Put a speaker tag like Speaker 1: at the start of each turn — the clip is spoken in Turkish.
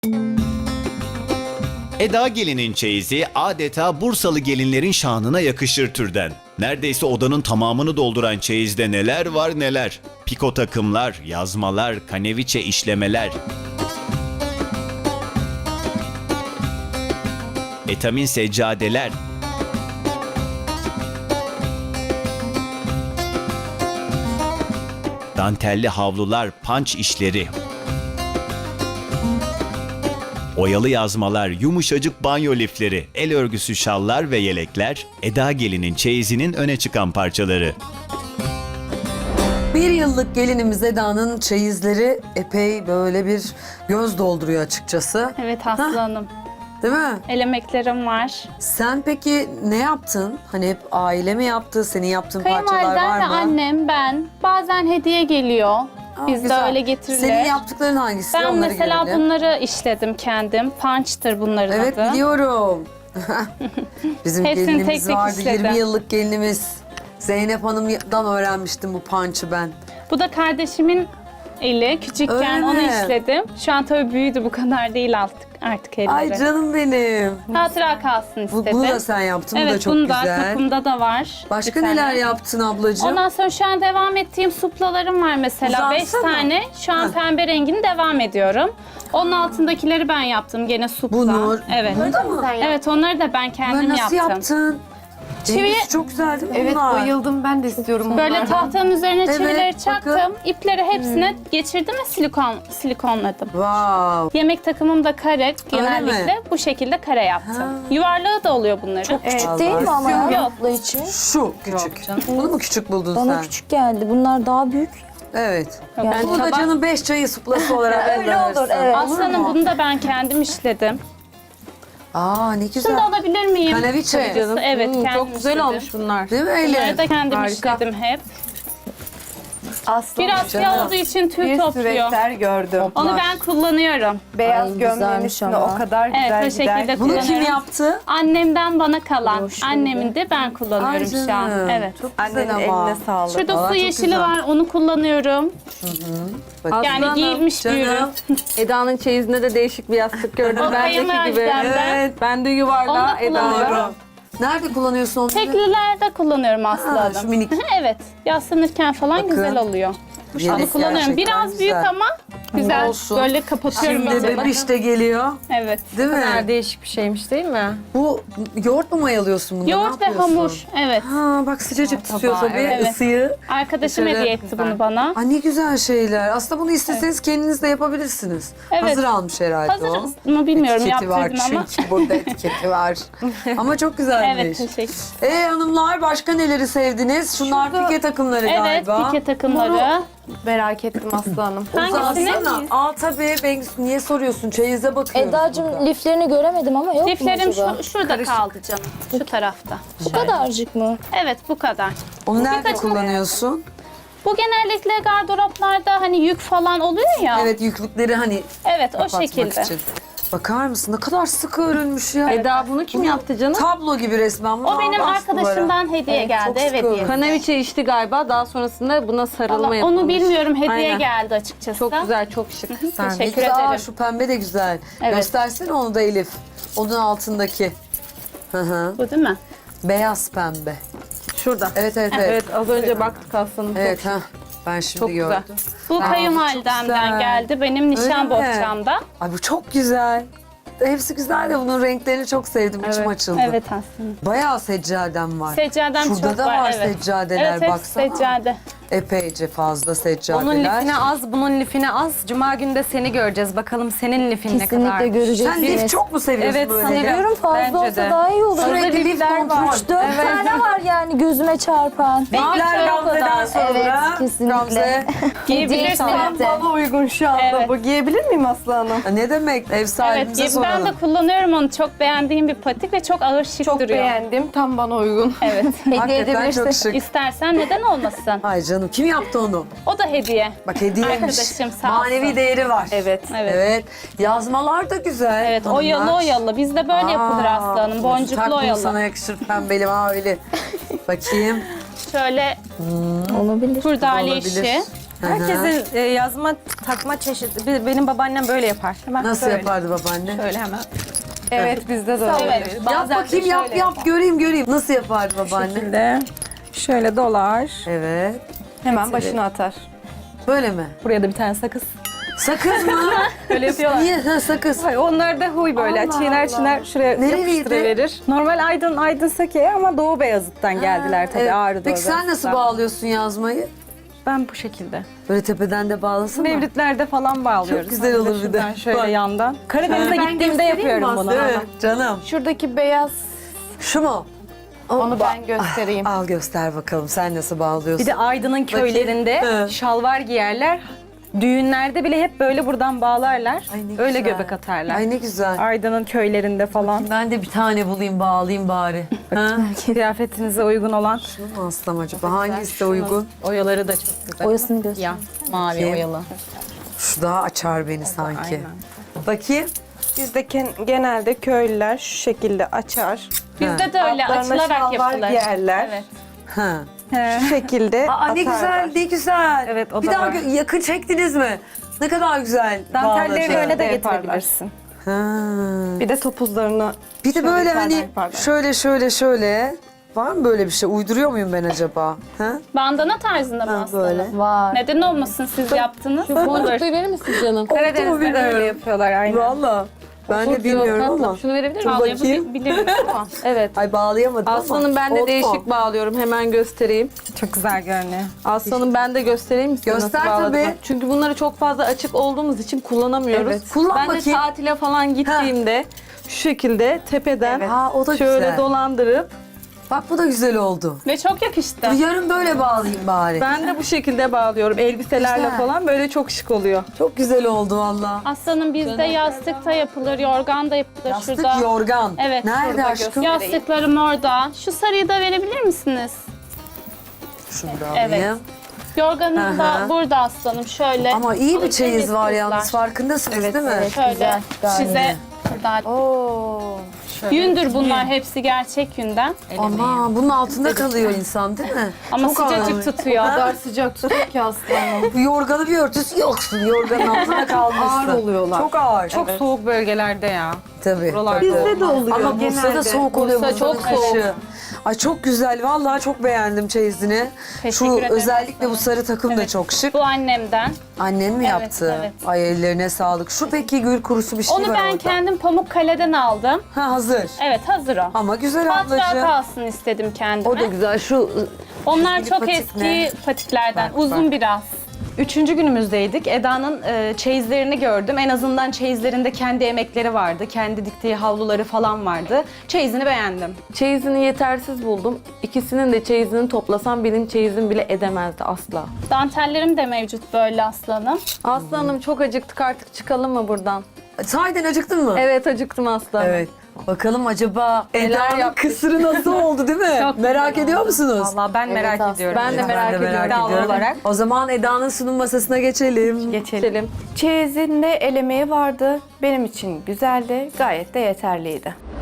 Speaker 1: Eda gelinin çeyizi adeta Bursalı gelinlerin şanına yakışır türden. Neredeyse odanın tamamını dolduran çeyizde neler var neler. Piko takımlar, yazmalar, kaneviçe işlemeler. Etamin seccadeler. Dantelli havlular, panç işleri. Oyalı yazmalar, yumuşacık banyo lifleri, el örgüsü şallar ve yelekler, Eda gelinin çeyizinin öne çıkan parçaları.
Speaker 2: Bir yıllık gelinimiz Eda'nın çeyizleri epey böyle bir göz dolduruyor açıkçası.
Speaker 3: Evet Aslı Hanım.
Speaker 2: Değil mi?
Speaker 3: El emeklerim var.
Speaker 2: Sen peki ne yaptın? Hani hep aile mi yaptı? Senin yaptığın parçalar var
Speaker 3: Kayınvalidem ve
Speaker 2: mı?
Speaker 3: annem, ben. Bazen hediye geliyor.
Speaker 2: Aa,
Speaker 3: Bizde
Speaker 2: güzel.
Speaker 3: öyle getirilir.
Speaker 2: Senin yaptıkların hangisi?
Speaker 3: Ben
Speaker 2: Onları
Speaker 3: mesela
Speaker 2: görelim.
Speaker 3: bunları işledim kendim. Punch'tır bunların
Speaker 2: Evet
Speaker 3: adı.
Speaker 2: biliyorum. Bizim
Speaker 3: Hepsini
Speaker 2: gelinimiz
Speaker 3: tek tek
Speaker 2: vardı.
Speaker 3: işledim.
Speaker 2: 20 yıllık gelinimiz. Zeynep Hanım'dan öğrenmiştim bu punch'ı ben.
Speaker 3: Bu da kardeşimin eli.
Speaker 2: Öyle
Speaker 3: Küçükken onu
Speaker 2: mi?
Speaker 3: işledim. Şu an tabii büyüdü, bu kadar değil artık elleri.
Speaker 2: Ay canım benim.
Speaker 3: Hatıra kalsın istedim.
Speaker 2: Bunu da sen yaptın. Bu da
Speaker 3: Evet,
Speaker 2: çok
Speaker 3: bunu da
Speaker 2: güzel.
Speaker 3: kapımda da var.
Speaker 2: Başka
Speaker 3: bir tane.
Speaker 2: neler yaptın ablacığım?
Speaker 3: Ondan sonra şu an devam ettiğim suplalarım var mesela. 5
Speaker 2: Uzansana.
Speaker 3: tane. Şu an
Speaker 2: Heh.
Speaker 3: pembe rengini devam ediyorum. Onun altındakileri ben yaptım. Gene supla.
Speaker 2: Bu Nur.
Speaker 3: Evet.
Speaker 2: Burada mı?
Speaker 3: Evet, onları da ben kendim
Speaker 2: Bunları nasıl
Speaker 3: yaptım.
Speaker 2: yaptın?
Speaker 3: Çivi-
Speaker 2: Dengesi çok güzel değil mi
Speaker 4: Evet
Speaker 2: bunlar?
Speaker 4: bayıldım, ben de istiyorum
Speaker 3: Böyle
Speaker 4: bunlardan.
Speaker 3: tahtanın üzerine
Speaker 2: Evet,
Speaker 3: çivileri
Speaker 2: bakın.
Speaker 3: çaktım. İpleri hepsine geçirdim ve silikonladım.
Speaker 2: Wow.
Speaker 3: Yemek takımım da kare
Speaker 2: Öyle
Speaker 3: genellikle.
Speaker 2: mi?
Speaker 3: Bu şekilde kare yaptım.
Speaker 2: Ha.
Speaker 3: Yuvarlağı da oluyor bunların.
Speaker 5: Çok küçük
Speaker 2: Allah
Speaker 5: değil mi ama
Speaker 3: Yok.
Speaker 5: ya abla için?
Speaker 2: Şu küçük. Bunu mu küçük buldun
Speaker 5: Bana
Speaker 2: sen?
Speaker 5: küçük geldi. Bunlar daha büyük.
Speaker 2: Evet.
Speaker 5: Yani
Speaker 2: Bunu da canım 5 çayı suplası olarak
Speaker 5: Öyle olur,
Speaker 2: gönderirsin.
Speaker 5: evet.
Speaker 3: Aslanım, bunu da ben kendim işledim.
Speaker 2: Aa ne
Speaker 3: Şunu
Speaker 2: güzel.
Speaker 3: da alabilir miyim?
Speaker 2: Kaneviçe.
Speaker 3: Canım. Evet, kendim
Speaker 4: Çok güzel
Speaker 3: işledim.
Speaker 4: olmuş bunlar.
Speaker 2: Değil mi
Speaker 3: Bunları
Speaker 2: Elif?
Speaker 3: da kendim
Speaker 4: Harika.
Speaker 3: işledim hep.
Speaker 4: Aslan
Speaker 3: Biraz
Speaker 2: canım.
Speaker 3: siyah olduğu için tüy
Speaker 4: bir
Speaker 3: topluyor.
Speaker 4: süveter gördüm.
Speaker 3: Onu ben kullanıyorum.
Speaker 4: Beyaz
Speaker 5: Ay,
Speaker 4: gömleğin
Speaker 5: güzelmiş
Speaker 4: üstüne
Speaker 5: ama.
Speaker 4: o kadar güzel
Speaker 3: Evet, o
Speaker 4: gider.
Speaker 3: şekilde
Speaker 2: Bunu kim
Speaker 3: kullanıyorum.
Speaker 2: yaptı?
Speaker 3: Annemden bana kalan.
Speaker 5: Hoş
Speaker 3: Annemin de ben kullanıyorum
Speaker 2: Ay
Speaker 3: şu an.
Speaker 2: canım.
Speaker 3: Evet.
Speaker 2: Çok güzel
Speaker 4: Annenin
Speaker 2: ama.
Speaker 4: eline sağlık.
Speaker 3: Şurada
Speaker 2: Vallahi
Speaker 3: su
Speaker 2: çok
Speaker 3: yeşili
Speaker 2: güzel.
Speaker 3: var, onu kullanıyorum.
Speaker 2: Bakın.
Speaker 3: Yani
Speaker 4: Aslanım,
Speaker 3: giyilmiş bir ürün.
Speaker 2: Canım.
Speaker 4: Eda'nın çeyizinde de değişik bir yastık gördüm.
Speaker 3: O
Speaker 4: Bendeki gibi.
Speaker 3: kayınvalidemden.
Speaker 4: Evet. Ben de
Speaker 3: Onu
Speaker 4: yuvarlağı
Speaker 3: da kullanıyorum.
Speaker 4: Eda'ya.
Speaker 2: Nerede kullanıyorsun onu?
Speaker 3: Teklilerde kullanıyorum aslında.
Speaker 2: şu minik.
Speaker 3: Evet. Yaslanırken falan
Speaker 2: Bakın.
Speaker 3: güzel oluyor.
Speaker 2: Yes,
Speaker 3: Onu kullanıyorum.
Speaker 2: gerçekten
Speaker 3: Biraz büyük
Speaker 2: güzel.
Speaker 3: ama güzel.
Speaker 2: Olsun.
Speaker 3: Böyle kapatıyorum.
Speaker 2: Şimdi
Speaker 3: iyice.
Speaker 2: bebiş de geliyor.
Speaker 3: Evet.
Speaker 2: Değil mi?
Speaker 4: Değişik bir şeymiş değil mi?
Speaker 2: Bu yoğurt mu mayalıyorsun bunu?
Speaker 3: Yoğurt ve hamur. Evet.
Speaker 2: Ha bak sıcacık tutuyor
Speaker 4: tabağı,
Speaker 2: tabii
Speaker 3: evet.
Speaker 2: ısıyı.
Speaker 3: Arkadaşım
Speaker 2: Dışarı-
Speaker 3: hediye etti bunu bana.
Speaker 2: Aa, ne güzel şeyler. Aslında bunu isteseniz kendiniz de yapabilirsiniz.
Speaker 3: Evet.
Speaker 2: Hazır almış herhalde
Speaker 3: Hazır
Speaker 2: o.
Speaker 3: mı bilmiyorum,
Speaker 2: Etiketi var
Speaker 3: yaptırdım ama.
Speaker 2: çünkü burada etiketi var. Ama çok güzelmiş.
Speaker 3: Evet, teşekkür.
Speaker 2: Hanımlar başka neleri sevdiniz? Şunlar pike takımları
Speaker 3: Evet,
Speaker 2: galiba.
Speaker 3: pike takımları.
Speaker 4: Merak ettim Aslı Hanım.
Speaker 3: Hangisini?
Speaker 2: Uzansana. Aa tabii Bengüsü niye soruyorsun? Çeyize bakıyoruz burada.
Speaker 5: Eda'cığım liflerini göremedim ama yok
Speaker 3: Liflerim
Speaker 5: mu acaba?
Speaker 3: şurada kaldı canım. Şu tarafta.
Speaker 5: Bu kadarcık mı?
Speaker 3: Evet, bu kadar.
Speaker 2: Onu nerede
Speaker 3: birkaç-
Speaker 2: kullanıyorsun?
Speaker 3: Bu genellikle gardıroplarda hani yük falan oluyor ya.
Speaker 2: Evet yüklükleri hani
Speaker 3: Evet, o
Speaker 2: kapatmak
Speaker 3: şekilde.
Speaker 2: için. Bakar mısın? Ne kadar sıkı örülmüş ya.
Speaker 4: Eda bunu kim yaptı canım?
Speaker 2: Tablo gibi resmen.
Speaker 3: O benim arkadaşımdan hediye
Speaker 2: Evet,
Speaker 3: geldi.
Speaker 2: çok
Speaker 3: Evet,
Speaker 2: sıkı.
Speaker 3: hediye.
Speaker 4: Kanaviçe içti galiba. Daha sonrasında buna sarılma
Speaker 3: Vallahi
Speaker 4: yapılmış.
Speaker 3: onu bilmiyorum, hediye
Speaker 4: Aynen.
Speaker 3: geldi açıkçası.
Speaker 4: Çok güzel, çok şık. Sen
Speaker 3: Teşekkür
Speaker 2: Aa,
Speaker 3: ederim.
Speaker 2: şu pembe de güzel.
Speaker 3: Evet.
Speaker 2: Göstersene onu da Elif. Onun altındaki. Hı hı.
Speaker 3: Bu değil mi?
Speaker 2: Beyaz pembe.
Speaker 4: Şurada.
Speaker 2: Evet evet evet.
Speaker 4: Evet, az önce baktık Aslanım.
Speaker 2: Evet ha. Ben şimdi
Speaker 4: Çok güzel.
Speaker 2: gördüm.
Speaker 3: Bu
Speaker 2: çok
Speaker 3: kayınvalidemden
Speaker 2: güzel.
Speaker 3: geldi. Benim nişan
Speaker 2: Öyle mi?
Speaker 3: bohçamda.
Speaker 2: Ay bu çok güzel. Hepsi güzel de bunun renklerini çok sevdim. İçim açıldı.
Speaker 3: Evet aslında.
Speaker 2: Bayağı seccadem var.
Speaker 3: Seccadem
Speaker 2: Şurada
Speaker 3: çok
Speaker 2: da
Speaker 3: var.
Speaker 2: var
Speaker 3: evet.
Speaker 2: seccadeler
Speaker 3: Evet, hepsi
Speaker 2: baksana.
Speaker 3: seccade.
Speaker 2: Epeyce fazla seccadeler.
Speaker 6: Onun lifine az, bunun lifine az. Cuma günü de seni göreceğiz. Bakalım senin lifin ne kadar.
Speaker 5: Kesinlikle göreceksiniz.
Speaker 2: Sen lif çok mu seviyorsun
Speaker 6: Evet,
Speaker 2: böyle?
Speaker 6: seviyorum.
Speaker 5: Seviyorum, fazla
Speaker 6: Bence
Speaker 5: olsa
Speaker 6: de.
Speaker 5: daha iyi olur.
Speaker 2: Sürekli lif kontrol.
Speaker 5: 3-4 tane var yani gözüme çarpan.
Speaker 2: Renkler Gamze'den sonra.
Speaker 5: Evet, kesinlikle.
Speaker 2: Gamze.
Speaker 3: Giyebilirsin.
Speaker 5: Kesinlikle.
Speaker 4: Bana uygun şu anda
Speaker 3: Evet.
Speaker 4: bu. Giyebilir miyim Aslı Hanım?
Speaker 2: Ne demek? Ev
Speaker 3: Evet,
Speaker 2: sahibimize
Speaker 3: ben
Speaker 2: soralım.
Speaker 3: de kullanıyorum onu. Çok beğendiğim bir patik ve çok ağır şık
Speaker 4: Çok
Speaker 3: duruyor.
Speaker 4: beğendim. Tam bana uygun.
Speaker 3: Evet.
Speaker 5: Hediye
Speaker 2: Hakikaten
Speaker 5: edebilirsin.
Speaker 2: çok şık.
Speaker 3: İstersen neden olmasın?
Speaker 2: Ay canım kim yaptı onu?
Speaker 3: O da hediye.
Speaker 2: Bak hediyeymiş.
Speaker 3: Arkadaşım sağ olsun.
Speaker 2: Manevi değeri var.
Speaker 4: Evet.
Speaker 3: Evet.
Speaker 2: Evet. Yazmalar da güzel.
Speaker 3: Evet,
Speaker 2: hanımlar.
Speaker 3: oyalı oyalı. Bizde böyle yapılır
Speaker 2: Aa,
Speaker 3: aslanım. Boncuklu
Speaker 2: tak bunu
Speaker 3: oyalı.
Speaker 2: sana yakışır pembeli mavili. Bakayım.
Speaker 3: Şöyle
Speaker 5: Olabilir.
Speaker 3: kurdale
Speaker 2: Olabilir.
Speaker 3: işi.
Speaker 6: Herkesin yazma, takma çeşidi. Benim babaannem böyle yapar. Hemen
Speaker 2: Nasıl
Speaker 6: böyle.
Speaker 2: yapardı babaanne?
Speaker 6: Şöyle hemen.
Speaker 4: Evet bizde de öyle.
Speaker 3: Evet.
Speaker 2: Yap bakayım yap göreyim. Nasıl yapardı babaanne?
Speaker 6: Şekilde. Şöyle dolar.
Speaker 2: Evet.
Speaker 4: Hemen başına atar.
Speaker 2: Böyle mi?
Speaker 6: Buraya da bir tane sakız.
Speaker 2: Sakız mı?
Speaker 6: Öyle yapıyorlar.
Speaker 2: Niye? Ha, sakız.
Speaker 6: Hayır, onlar da huy böyle.
Speaker 2: Allah
Speaker 6: Çiğner
Speaker 2: Allah.
Speaker 6: çiğner şuraya
Speaker 2: Nereliydi?
Speaker 6: yapıştırıverir. Normal Aydın Sake ama Doğu Beyazıt'tan geldiler tabii
Speaker 2: Evet.
Speaker 6: Ağrı Doğu
Speaker 2: Peki sen nasıl
Speaker 6: Beyazıt'tan.
Speaker 2: bağlıyorsun yazmayı?
Speaker 6: Ben bu şekilde.
Speaker 2: Böyle tepeden de bağlasın mı?
Speaker 6: Mevlitlerde falan bağlıyoruz.
Speaker 2: Çok güzel olur bir de.
Speaker 6: Şuradan şöyle
Speaker 2: Bak.
Speaker 6: yandan. Karadeniz'e gittiğimde yapıyorum bunu.
Speaker 2: Değil mi? Canım.
Speaker 4: Şuradaki beyaz
Speaker 2: Şu mu?
Speaker 4: onu ben göstereyim.
Speaker 2: Al göster bakalım. Sen nasıl bağlıyorsun?
Speaker 6: Bir de Aydın'ın köylerinde
Speaker 2: Hı.
Speaker 6: şalvar giyerler. Düğünlerde bile hep böyle buradan bağlarlar.
Speaker 2: Ay ne
Speaker 6: Öyle
Speaker 2: güzel.
Speaker 6: göbek atarlar.
Speaker 2: Ay ne güzel.
Speaker 6: Aydın'ın köylerinde falan.
Speaker 2: Ben de bir tane bulayım bağlayayım bari. Ha?
Speaker 6: Kıyafetinize uygun olan.
Speaker 2: Şunu mu alsam acaba? Hangisi de uygun?
Speaker 6: Oyaları da çok güzel.
Speaker 5: Oyasını göster.
Speaker 6: Ya mavi
Speaker 2: Bakayım.
Speaker 6: oyalı.
Speaker 2: Şu daha açar beni sanki.
Speaker 6: Aynen.
Speaker 2: Bakayım.
Speaker 4: Bizde genelde köylüler şu şekilde açar.
Speaker 3: Bizde de öyle
Speaker 4: Altlarına
Speaker 3: açılarak
Speaker 4: şalvar
Speaker 3: yapılır.
Speaker 4: giyerler.
Speaker 3: Evet.
Speaker 2: Ha.
Speaker 4: Şu şekilde
Speaker 2: Aa ne güzel,
Speaker 4: atarlar.
Speaker 2: ne güzel.
Speaker 6: Evet, o
Speaker 2: bir
Speaker 6: da
Speaker 2: daha
Speaker 6: var.
Speaker 2: yakın çektiniz mi? Ne kadar güzel.
Speaker 6: Dantellerini
Speaker 2: bağladı.
Speaker 6: öyle de
Speaker 4: Yaparlar.
Speaker 6: getirebilirsin.
Speaker 2: Ha.
Speaker 4: Bir de topuzlarını
Speaker 2: Bir de
Speaker 4: şöyle
Speaker 2: böyle
Speaker 4: yukarıdan
Speaker 2: hani
Speaker 4: yaparlar.
Speaker 2: şöyle. Var mı böyle bir şey? Uyduruyor muyum ben acaba? Ha?
Speaker 3: Bandana tarzında mı
Speaker 2: Ha,
Speaker 3: aslında?
Speaker 2: böyle.
Speaker 5: Var.
Speaker 3: Neden olmasın siz yaptınız? Olur.
Speaker 5: verir misin canım?
Speaker 6: Karadeniz'de de öyle yapıyorlar aynen.
Speaker 2: Valla. Ben de bilmiyorum ama.
Speaker 5: Şunu verebilir
Speaker 2: Dur bakayım.
Speaker 3: Bağlayabiliriz ama.
Speaker 5: Evet.
Speaker 2: Ay bağlayamadım ama.
Speaker 7: Aslanım ben de
Speaker 2: Oldu mu?
Speaker 7: değişik bağlıyorum. Hemen göstereyim.
Speaker 6: Çok güzel görünüyor.
Speaker 7: Aslanım ben de göstereyim size
Speaker 2: Göster
Speaker 7: nasıl bağladığımı.
Speaker 2: tabii.
Speaker 7: Çünkü bunları çok fazla açık olduğumuz için kullanamıyoruz.
Speaker 2: Evet. Kullan
Speaker 7: ben de
Speaker 2: bakayım.
Speaker 7: tatile falan gittiğimde şu şekilde tepeden
Speaker 2: Ha o da
Speaker 7: şöyle
Speaker 2: güzel.
Speaker 7: dolandırıp
Speaker 2: Bak bu da güzel oldu.
Speaker 3: Ve çok yakıştı.
Speaker 2: Yarın böyle bağlayayım bari.
Speaker 7: ben de bu şekilde bağlıyorum. Elbiselerle
Speaker 2: Güzel.
Speaker 7: falan böyle çok şık oluyor.
Speaker 2: Çok güzel oldu valla.
Speaker 3: Aslanım bizde yastık da yapılır, yorgan da yapılır
Speaker 2: Yastık
Speaker 3: şurada.
Speaker 2: yorgan.
Speaker 3: Evet.
Speaker 2: Nerede
Speaker 3: şurada
Speaker 2: aşkım?
Speaker 3: Yastıklarım orada. Şu sarıyı da verebilir misiniz?
Speaker 2: Şunu da
Speaker 3: Evet.
Speaker 2: alayım.
Speaker 3: Yorganım da
Speaker 2: Aha.
Speaker 3: burada aslanım. Şöyle.
Speaker 2: Ama iyi bir
Speaker 3: Alın,
Speaker 2: çeyiz
Speaker 3: temiz
Speaker 2: var
Speaker 3: kızlar.
Speaker 2: yalnız farkındasınız değil mi?
Speaker 3: Şöyle
Speaker 5: Güzel, gayet
Speaker 3: size burada. Yündür bunlar hepsi gerçek yünden.
Speaker 2: Ama bunun altında kalıyor insan değil mi?
Speaker 3: Ama
Speaker 2: Çok ağır.
Speaker 3: sıcacık tutuyor.
Speaker 4: Kadar sıcak tutuyor ki aslanım.
Speaker 2: Yorganı bir örtüsü yoksun. Yorganın altında kalmışsın.
Speaker 4: Ağır oluyorlar.
Speaker 2: Çok ağır.
Speaker 6: Çok soğuk bölgelerde ya.
Speaker 2: Tabii.
Speaker 6: Buralarda.
Speaker 4: Bizde de oluyor.
Speaker 2: Ama Bursa'da
Speaker 4: genelde.
Speaker 2: soğuk oluyor.
Speaker 3: Bursa
Speaker 2: Bursa'nın
Speaker 3: çok soğuk.
Speaker 2: kışı. Ay çok güzel. Vallahi çok beğendim çeyizini.
Speaker 3: Teşekkür
Speaker 2: Şu
Speaker 3: ederim
Speaker 2: özellikle bu
Speaker 3: sana.
Speaker 2: sarı takım da
Speaker 3: Evet.
Speaker 2: çok şık.
Speaker 3: Bu annemden.
Speaker 2: Annen mi
Speaker 3: Evet,
Speaker 2: yaptı?
Speaker 3: evet.
Speaker 2: Ay ellerine sağlık. Şu peki gül kurusu bir şey
Speaker 3: Onu
Speaker 2: var
Speaker 3: ben
Speaker 2: orada.
Speaker 3: kendim Pamukkale'den aldım.
Speaker 2: Ha hazır.
Speaker 3: Evet hazır o.
Speaker 2: Ama güzel
Speaker 3: Hatıra
Speaker 2: ablacığım.
Speaker 3: kalsın istedim kendime.
Speaker 7: O da güzel. Şu
Speaker 3: Onlar
Speaker 2: çizgili
Speaker 3: çok
Speaker 2: patik
Speaker 3: eski
Speaker 2: ne?
Speaker 3: patiklerden.
Speaker 2: Bak,
Speaker 3: Uzun
Speaker 2: bak.
Speaker 3: biraz.
Speaker 6: 3. günümüzdeydik. Eda'nın çeyizlerini gördüm. En azından çeyizlerinde kendi emekleri vardı. Kendi diktiği havluları falan vardı. Çeyizini beğendim.
Speaker 7: çeyizini yetersiz buldum. İkisinin de çeyizini toplasam benim çeyizim bile edemezdi asla.
Speaker 3: Dantellerim de mevcut böyle aslanım.
Speaker 7: Aslanım çok acıktık, artık çıkalım mı buradan?
Speaker 2: Sahiden acıktın mı?
Speaker 7: Evet, acıktım aslanım.
Speaker 2: Evet. Bakalım acaba Eda'nın
Speaker 7: yaptık?
Speaker 2: kısırı nasıl oldu değil mi?
Speaker 3: Çok
Speaker 2: Merak ediyor musunuz?
Speaker 6: Vallahi ben merak
Speaker 5: aslında.
Speaker 6: ediyorum.
Speaker 7: Ben de merak ediyorum.
Speaker 6: İddialı olarak.
Speaker 2: O zaman Eda'nın sunum masasına geçelim.
Speaker 7: Geçelim.
Speaker 4: Çeyizinde elemeği vardı. Benim için güzeldi. Gayet de yeterliydi.